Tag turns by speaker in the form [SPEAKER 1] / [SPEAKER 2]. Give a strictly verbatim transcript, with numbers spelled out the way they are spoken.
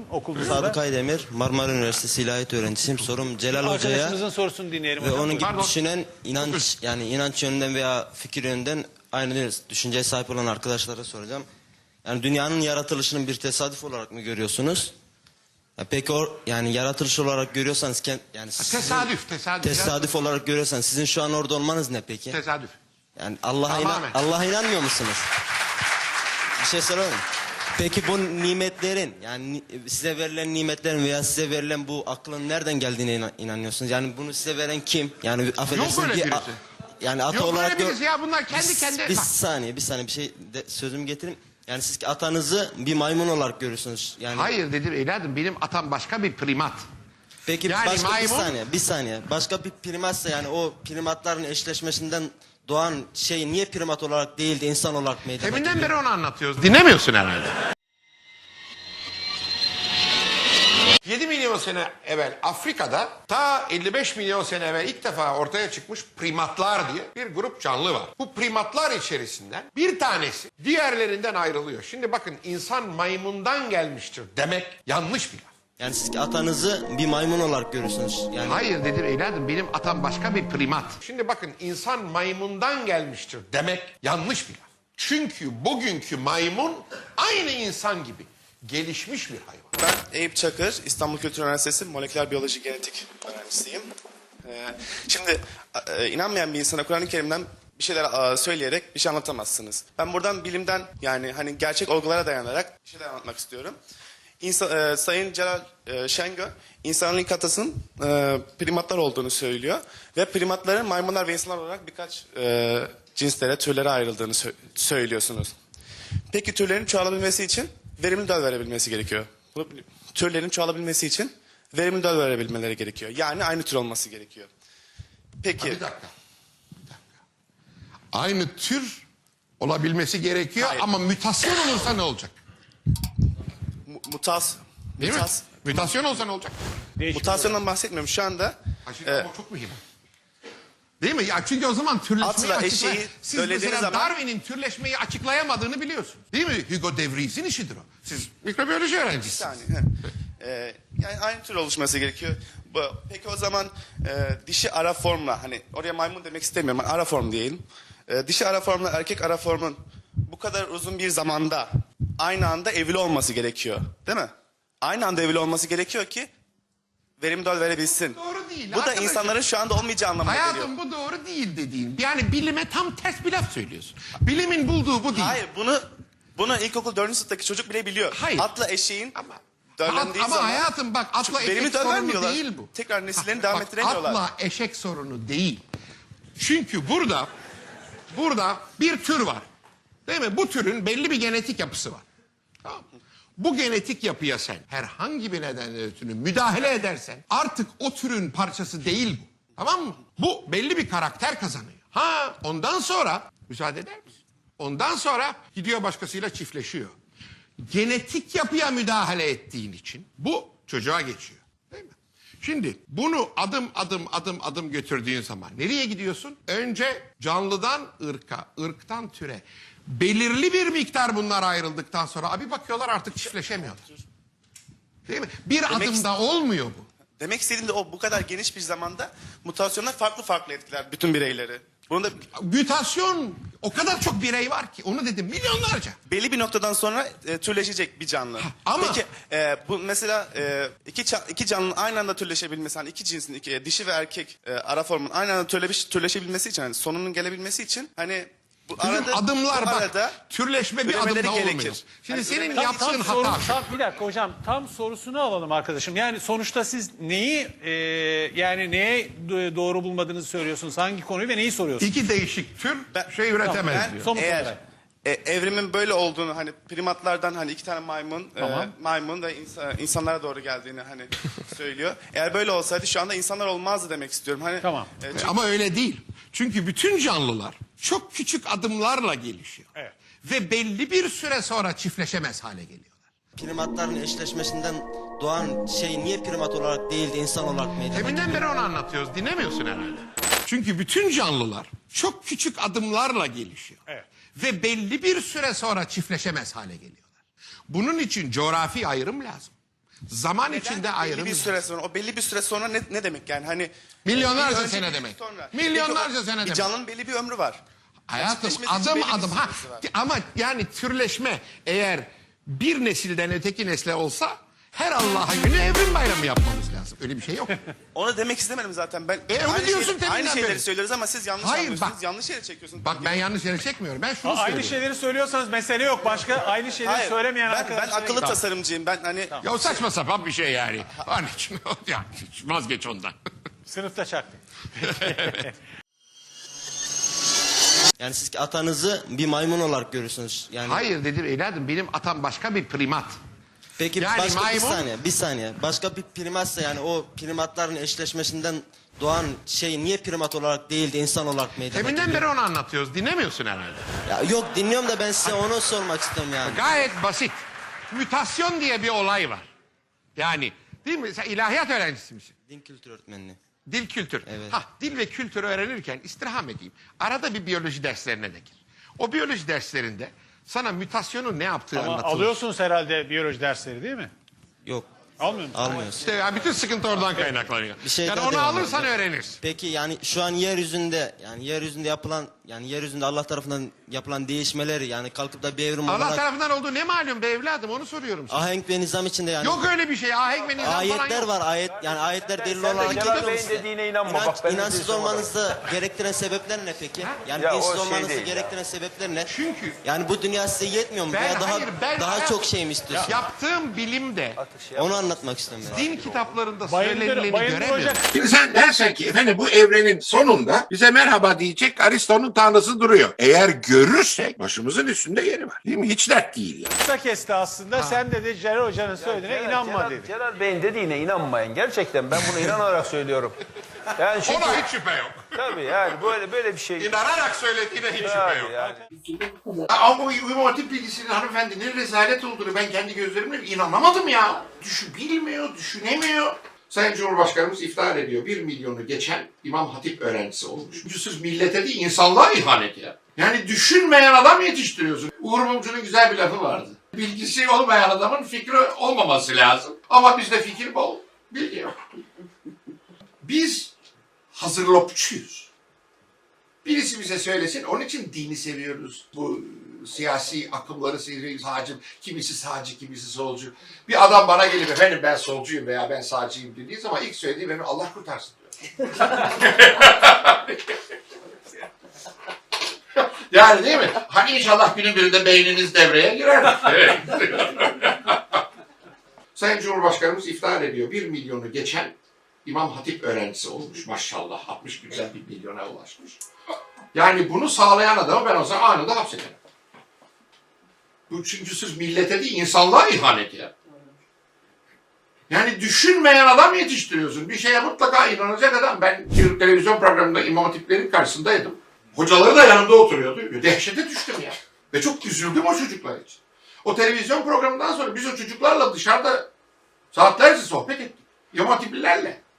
[SPEAKER 1] okulunuzda?
[SPEAKER 2] Sadık Aydemir, Marmara Üniversitesi İlahiyat öğrencisiyim. Sorum Celal Hoca'ya
[SPEAKER 1] Arkadaşımızın sorusunu dinleyelim
[SPEAKER 2] ve
[SPEAKER 1] hocam.
[SPEAKER 2] onun gibi
[SPEAKER 1] Pardon.
[SPEAKER 2] düşünen inanç yani inanç yönünden veya fikir yönünden aynı düşünceye sahip olan arkadaşlara soracağım. Yani dünyanın yaratılışının bir tesadüf olarak mı görüyorsunuz? Ya peki o yani yaratılış olarak görüyorsanız kend- yani sizin-
[SPEAKER 3] Tesadüf, tesadüf.
[SPEAKER 2] tesadüf olarak görüyorsanız sizin şu an orada olmanız ne peki?
[SPEAKER 3] Tesadüf.
[SPEAKER 2] Yani Allah'a inan
[SPEAKER 3] Tamamen.
[SPEAKER 2] Allah'a inanmıyor musunuz? Bir şey soralım. Peki bu nimetlerin yani ni- size verilen nimetlerin veya size verilen bu aklın nereden geldiğine inan- inanıyorsunuz? Yani bunu size veren kim? Yani affedersiniz
[SPEAKER 3] öyle
[SPEAKER 2] bir
[SPEAKER 3] birisi.
[SPEAKER 2] a- yani ata
[SPEAKER 3] Yok
[SPEAKER 2] olarak
[SPEAKER 3] öyle
[SPEAKER 2] gör-
[SPEAKER 3] birisi ya, bunlar kendi
[SPEAKER 2] bir,
[SPEAKER 3] kendine-
[SPEAKER 2] bir
[SPEAKER 3] Bak.
[SPEAKER 2] saniye bir saniye bir şey de, sözümü getirin. Yani siz atanızı bir maymun olarak görüyorsunuz. Yani
[SPEAKER 3] Hayır dedim evladım, benim atam başka bir primat.
[SPEAKER 2] Peki
[SPEAKER 3] Yani
[SPEAKER 2] başka bir
[SPEAKER 3] maymun-
[SPEAKER 2] saniye bir saniye. Başka bir primatsa yani o primatların eşleşmesinden doğan şey niye primat olarak değil de insan olarak meydana
[SPEAKER 3] Deminden
[SPEAKER 2] geliyor?
[SPEAKER 3] beri onu anlatıyoruz. Dinlemiyorsun herhalde. yedi milyon sene evvel Afrika'da, ta elli beş milyon sene evvel ilk defa ortaya çıkmış primatlar diye bir grup canlı var. Bu primatlar içerisinden bir tanesi diğerlerinden ayrılıyor. Şimdi bakın, insan maymundan gelmiştir demek yanlış bir laf.
[SPEAKER 2] Yani siz atanızı bir maymun olarak görüyorsunuz. Yani
[SPEAKER 3] Hayır dedim evladım, benim atam başka bir primat. Şimdi bakın, insan maymundan gelmiştir demek yanlış bir laf. Çünkü bugünkü maymun aynı insan gibi gelişmiş bir hayvan.
[SPEAKER 4] Ben Eyüp Çakır, İstanbul Kültür Üniversitesi Moleküler Biyoloji Genetik öğrencisiyim. Ee, şimdi e, inanmayan bir insana Kur'an-ı Kerim'den bir şeyler e, söyleyerek bir şey anlatamazsınız. Ben buradan bilimden yani hani gerçek olgulara dayanarak bir şeyler anlatmak istiyorum. İnsan, e, Sayın Celal e, Şengör, insanın ilk atasının e, primatlar olduğunu söylüyor. Ve primatların maymunlar ve insanlar olarak birkaç e, cinslere, türlere ayrıldığını sö- söylüyorsunuz. Peki türlerin çoğalabilmesi için verimli döl verebilmesi gerekiyor. Bu, türlerin çoğalabilmesi için verimli döl verebilmeleri gerekiyor. Yani aynı tür olması gerekiyor. Peki.
[SPEAKER 3] Bir dakika. Bir dakika. Aynı tür olabilmesi gerekiyor.
[SPEAKER 4] Hayır.
[SPEAKER 3] Ama mutasyon olursa ne olacak?
[SPEAKER 4] mu- mutas,
[SPEAKER 3] Değil
[SPEAKER 4] mutas,
[SPEAKER 3] mi? Mutasyon olsa ne olacak?
[SPEAKER 1] Değişik
[SPEAKER 4] mutasyondan bahsetmiyorum. Şu anda
[SPEAKER 3] Ha, şimdi
[SPEAKER 4] e,
[SPEAKER 3] ama çok mühim. Değil mi? Ya çünkü o zaman türleşmeyi
[SPEAKER 4] Atla
[SPEAKER 3] açıklay...
[SPEAKER 4] eşeği
[SPEAKER 3] Siz
[SPEAKER 4] söylediğiniz
[SPEAKER 3] mesela
[SPEAKER 4] zaman-
[SPEAKER 3] Darwin'in türleşmeyi açıklayamadığını biliyorsunuz. Değil mi? Hugo de Vries'in işidir o. Siz mikrobiyoloji
[SPEAKER 4] bir
[SPEAKER 3] öğrencisiniz.
[SPEAKER 4] saniye. he. E, yani aynı tür oluşması gerekiyor. Bu, peki o zaman e, dişi ara formla hani oraya maymun demek istemiyorum. Ara form diyelim. E, dişi ara formla erkek ara formun bu kadar uzun bir zamanda aynı anda evli olması gerekiyor. Değil mi? Aynı anda evli olması gerekiyor ki verimli döl verebilsin.
[SPEAKER 3] Doğru değil
[SPEAKER 4] Bu da
[SPEAKER 3] arkadaşım.
[SPEAKER 4] insanların şu anda olmayacağı anlamına geliyor.
[SPEAKER 3] Hayatım, bu doğru değil dediğin. Yani bilime tam ters bir laf söylüyorsun. Bilimin bulduğu bu değil.
[SPEAKER 4] Hayır bunu bunu ilkokul dördüncü sınıftaki çocuk bile biliyor.
[SPEAKER 3] Hayır.
[SPEAKER 4] Atla eşeğin
[SPEAKER 3] Ama,
[SPEAKER 4] döllendiği
[SPEAKER 3] ama
[SPEAKER 4] zaman
[SPEAKER 3] hayatım bak, atla
[SPEAKER 4] Çünkü verimi
[SPEAKER 3] eşek
[SPEAKER 4] döl
[SPEAKER 3] sorunu
[SPEAKER 4] vermiyorlar.
[SPEAKER 3] değil bu.
[SPEAKER 4] Tekrar nesillerini
[SPEAKER 3] Bak,
[SPEAKER 4] devam
[SPEAKER 3] bak,
[SPEAKER 4] ettiremiyorlar.
[SPEAKER 3] Atla eşek sorunu değil. Çünkü burada burada bir tür var. Değil mi? Bu türün belli bir genetik yapısı var. Tamam mı? Bu genetik yapıya sen herhangi bir nedenle ötürü müdahale edersen artık o türün parçası değil bu. Tamam mı? Bu belli bir karakter kazanıyor. Ha, ondan sonra müsaade eder misin? Ondan sonra gidiyor başkasıyla çiftleşiyor. Genetik yapıya müdahale ettiğin için bu çocuğa geçiyor. Değil mi? Şimdi bunu adım adım adım adım götürdüğün zaman nereye gidiyorsun? Önce canlıdan ırka, ırktan türe. Belirli bir miktar bunlar ayrıldıktan sonra abi bakıyorlar artık çiftleşemiyorlar. Değil mi? Bir
[SPEAKER 4] Demek-
[SPEAKER 3] adımda olmuyor bu.
[SPEAKER 4] Demek istediğim de o bu kadar geniş bir zamanda mutasyonlar farklı farklı etkiler bütün bireyleri. Bunu da
[SPEAKER 3] Mutasyon, o kadar çok birey var ki, onu dedim, milyonlarca.
[SPEAKER 4] belli bir noktadan sonra e, türleşecek bir canlı.
[SPEAKER 3] ama-
[SPEAKER 4] Peki e, bu mesela e, iki ça- iki canlının aynı anda türleşebilmesi, hani iki cinsin iki, e, dişi ve erkek e, ara formun aynı anda türleş, türleşebilmesi için, hani sonunun gelebilmesi için hani bu
[SPEAKER 3] Bizim
[SPEAKER 4] arada
[SPEAKER 3] adımlar
[SPEAKER 4] bu
[SPEAKER 3] bak,
[SPEAKER 4] arada
[SPEAKER 3] türleşme bir
[SPEAKER 4] üremeleri
[SPEAKER 3] adımda
[SPEAKER 4] gerekir.
[SPEAKER 3] olmuyor. Şimdi
[SPEAKER 4] Hani
[SPEAKER 3] senin
[SPEAKER 4] üremeleri-
[SPEAKER 3] yaptığın
[SPEAKER 1] Tam
[SPEAKER 3] hata
[SPEAKER 1] soru,
[SPEAKER 3] şu.
[SPEAKER 1] tam, bir dakika hocam, tam sorusunu alalım arkadaşım. Yani sonuçta siz neyi e, yani neye do- doğru bulmadığınızı söylüyorsunuz? Hangi konuyu ve neyi soruyorsunuz?
[SPEAKER 3] İki değişik tür
[SPEAKER 4] Ben-
[SPEAKER 3] şey üretemez
[SPEAKER 4] Ben
[SPEAKER 3] diyor.
[SPEAKER 1] Somut
[SPEAKER 4] eğer
[SPEAKER 1] olarak.
[SPEAKER 4] e, evrimin böyle olduğunu, hani primatlardan hani iki tane maymun
[SPEAKER 1] Tamam.
[SPEAKER 4] e, maymun ve insa- insanlara doğru geldiğini hani söylüyor. Eğer böyle olsaydı şu anda insanlar olmazdı demek istiyorum. Hani
[SPEAKER 1] Tamam.
[SPEAKER 4] e, çünkü-
[SPEAKER 3] Ama öyle değil. Çünkü bütün canlılar çok küçük adımlarla gelişiyor.
[SPEAKER 1] Evet.
[SPEAKER 3] Ve belli bir süre sonra çiftleşemez hale geliyorlar.
[SPEAKER 2] primatların eşleşmesinden doğan şey niye primat olarak değil de insan olarak meydana geliyor?
[SPEAKER 3] Deminden beri onu anlatıyoruz. Dinlemiyorsun herhalde. Çünkü bütün canlılar çok küçük adımlarla gelişiyor.
[SPEAKER 1] Evet.
[SPEAKER 3] Ve belli bir süre sonra çiftleşemez hale geliyorlar. Bunun için coğrafi ayrım lazım. Zaman içinde
[SPEAKER 4] belli
[SPEAKER 3] ayrım.
[SPEAKER 4] bir süre sonra, o belli bir süre sonra ne, ne demek yani? Hani
[SPEAKER 3] Milyonlarca
[SPEAKER 4] bir önce,
[SPEAKER 3] sene
[SPEAKER 4] bir
[SPEAKER 3] demek.
[SPEAKER 4] Sonra.
[SPEAKER 3] Milyonlarca
[SPEAKER 4] Peki o-
[SPEAKER 3] sene
[SPEAKER 4] bir
[SPEAKER 3] demek.
[SPEAKER 4] canlının belli bir ömrü var.
[SPEAKER 3] Hayatım
[SPEAKER 4] Gerçekleşmesi
[SPEAKER 3] adım
[SPEAKER 4] belli bir
[SPEAKER 3] adım ha
[SPEAKER 4] süresi var.
[SPEAKER 3] ama yani türleşme eğer bir nesilden öteki nesle olsa her Allah'a günü evrim bayramı yapmamız lazım. Öyle bir şey yok.
[SPEAKER 4] Onu demek istemedim zaten. Ben
[SPEAKER 3] E, onu
[SPEAKER 4] aynı,
[SPEAKER 3] diyorsun
[SPEAKER 4] şeyleri,
[SPEAKER 3] teminden
[SPEAKER 4] aynı şeyleri
[SPEAKER 3] beri.
[SPEAKER 4] söylüyoruz ama siz yanlış
[SPEAKER 3] Hayır,
[SPEAKER 4] anlıyorsunuz.
[SPEAKER 3] bak.
[SPEAKER 4] Yanlış yere çekiyorsunuz.
[SPEAKER 3] Bak ben yanlış yere çekmiyorum. Ben şunu
[SPEAKER 1] Aynı
[SPEAKER 3] söylüyorum.
[SPEAKER 1] şeyleri söylüyorsanız mesele yok. Başka aynı şeyleri
[SPEAKER 4] Hayır,
[SPEAKER 1] söylemeyen
[SPEAKER 4] ben, ben
[SPEAKER 1] arkadaşlar.
[SPEAKER 4] akıllı tasarımcıyım. Ben hani
[SPEAKER 3] Ya o saçma sapan bir şey yani. Onun için ya, vazgeç ondan.
[SPEAKER 1] Sınıfta çaktı.
[SPEAKER 2] Yani siz atanızı bir maymun olarak görürsünüz. Yani
[SPEAKER 3] Hayır dedim evladım benim atam başka bir primat.
[SPEAKER 2] peki
[SPEAKER 3] Yani
[SPEAKER 2] başka
[SPEAKER 3] maymun-
[SPEAKER 2] bir saniye, bir saniye. Başka bir primatsa yani o primatların eşleşmesinden doğan şey niye primat olarak değil de insan olarak meydana
[SPEAKER 3] Deminden
[SPEAKER 2] geliyor?
[SPEAKER 3] beri onu anlatıyoruz. Dinlemiyorsun herhalde.
[SPEAKER 2] Ya yok dinliyorum da ben size onu sormak istiyorum yani.
[SPEAKER 3] Gayet basit. Mütasyon diye bir olay var. Yani değil mi? Sen ilahiyat öğrencisi misin?
[SPEAKER 2] Din kültürü öğretmenliği.
[SPEAKER 3] Dil kültür.
[SPEAKER 2] Evet.
[SPEAKER 3] Ha, dil ve kültürü öğrenirken istirham edeyim. Arada bir biyoloji derslerine de gir. O biyoloji derslerinde sana mütasyonun ne yaptığı
[SPEAKER 1] Ama
[SPEAKER 3] anlatılır.
[SPEAKER 1] alıyorsunuz herhalde biyoloji dersleri değil mi?
[SPEAKER 2] Yok.
[SPEAKER 1] Almıyor musunuz?
[SPEAKER 2] Almıyoruz.
[SPEAKER 3] İşte ya bütün sıkıntı oradan kaynaklanıyor.
[SPEAKER 2] Bir şey
[SPEAKER 3] yani
[SPEAKER 2] daha
[SPEAKER 3] onu
[SPEAKER 2] devam
[SPEAKER 3] alırsan
[SPEAKER 2] edeceğim.
[SPEAKER 3] öğrenirsin.
[SPEAKER 2] Peki yani şu an yeryüzünde yani yeryüzünde yapılan yani yeryüzünde Allah tarafından yapılan değişmeleri yani kalkıp da bir evrim
[SPEAKER 3] Allah
[SPEAKER 2] olarak
[SPEAKER 3] tarafından olduğu ne malum be evladım onu soruyorum sana.
[SPEAKER 2] ahenk ve nizam içinde yani
[SPEAKER 3] Yok öyle bir şey. Ahenk ve nizam falan
[SPEAKER 2] ayetler
[SPEAKER 3] yok.
[SPEAKER 2] var ayet yani ayetler delil
[SPEAKER 5] sen de
[SPEAKER 2] olarak
[SPEAKER 5] Celal
[SPEAKER 2] geliyor mu
[SPEAKER 5] Bey'in
[SPEAKER 2] size?
[SPEAKER 5] dediğine inanma.
[SPEAKER 2] İnanç,
[SPEAKER 5] Bak ben de
[SPEAKER 2] inançsız
[SPEAKER 5] diyorsun
[SPEAKER 2] olmanızı gerektiren sebepler ne peki? Yani
[SPEAKER 5] Ya o
[SPEAKER 2] dinsiz
[SPEAKER 5] şey
[SPEAKER 2] olmanızı
[SPEAKER 5] değil ya.
[SPEAKER 2] gerektiren sebepler ne?
[SPEAKER 3] Çünkü-
[SPEAKER 2] yani bu dünya size yetmiyor mu?
[SPEAKER 3] Ben-
[SPEAKER 2] Veya daha
[SPEAKER 3] hayır, ben-
[SPEAKER 2] daha
[SPEAKER 3] ben-
[SPEAKER 2] çok şey mi istiyorsunuz?
[SPEAKER 3] Yaptığım bilimde
[SPEAKER 2] Onu anlatmak istiyorum ben.
[SPEAKER 3] din kitaplarında
[SPEAKER 1] Bayındır,
[SPEAKER 3] söylenileni
[SPEAKER 1] Bayındır
[SPEAKER 3] göremiyorum.
[SPEAKER 1] Hoca
[SPEAKER 6] Şimdi sen dersen ki efendim bu evrenin sonunda bize merhaba diyecek Aristo'nun tanrısı duruyor. Eğer görürsek başımızın üstünde yeri var. Değil mi? Hiç dert değil yani.
[SPEAKER 1] kısa kesti aslında. Sen de de Celal Hoca'nın söylediğine
[SPEAKER 5] Celal-
[SPEAKER 1] inanma
[SPEAKER 5] Celal,
[SPEAKER 1] dedi.
[SPEAKER 5] Celal Bey'in dediğine inanmayın. Gerçekten ben bunu inanarak söylüyorum. Yani çünkü
[SPEAKER 3] Ona hiç şüphe yok.
[SPEAKER 5] tabii yani böyle böyle bir şey.
[SPEAKER 3] İnanarak söylediğine hiç şüphe
[SPEAKER 5] Abi
[SPEAKER 3] yok.
[SPEAKER 5] yani.
[SPEAKER 6] Ama bu İmam Hatip bilgisinin hanımefendinin rezalet olduğunu ben kendi gözlerimle inanamadım ya. Düşün, bilmiyor, düşünemiyor. Sayın Cumhurbaşkanımız iftihar ediyor. Bir milyonu geçen İmam Hatip öğrencisi olmuş. Yüzsüz millete değil insanlığa ihanet ya. Yani düşünmeyen adam yetiştiriyorsun. Uğur Mumcu'nun güzel bir lafı vardı. Bilgisi olmayan adamın fikri olmaması lazım. Ama bizde fikir bol, bilgi yok. Biz hazırlopçuyuz. Birisi bize söylesin. Onun için dini seviyoruz. Bu siyasi akımları seviyoruz. Sağcı, kimisi sağcı, kimisi solcu. Bir adam bana gelip efendim ben solcuyum veya ben sağcıyım dediği zaman ilk söylediği benim Allah kurtarsın diyor. Yani değil mi? Hani inşallah günün birinde beyniniz devreye girer. Evet. Sayın Cumhurbaşkanımız iftihar ediyor. Bir milyonu geçen İmam Hatip öğrencisi olmuş maşallah. altmış günden bir milyona ulaşmış. Yani bunu sağlayan adamı ben o zaman anında hapsederim. Bu çünkü siz millete değil insanlığa ihanet ya. Yani düşünmeyen adam yetiştiriyorsun. Bir şeye mutlaka inanacak adam. Ben bir televizyon programında İmam Hatiplerin karşısındaydım. Hocaları da yanımda oturuyordu. Dehşete düştüm ya. Ve çok üzüldüm o çocuklar için. O televizyon programından sonra biz o çocuklarla dışarıda saatlerce sohbet ettik. İmam Hatiplilerle.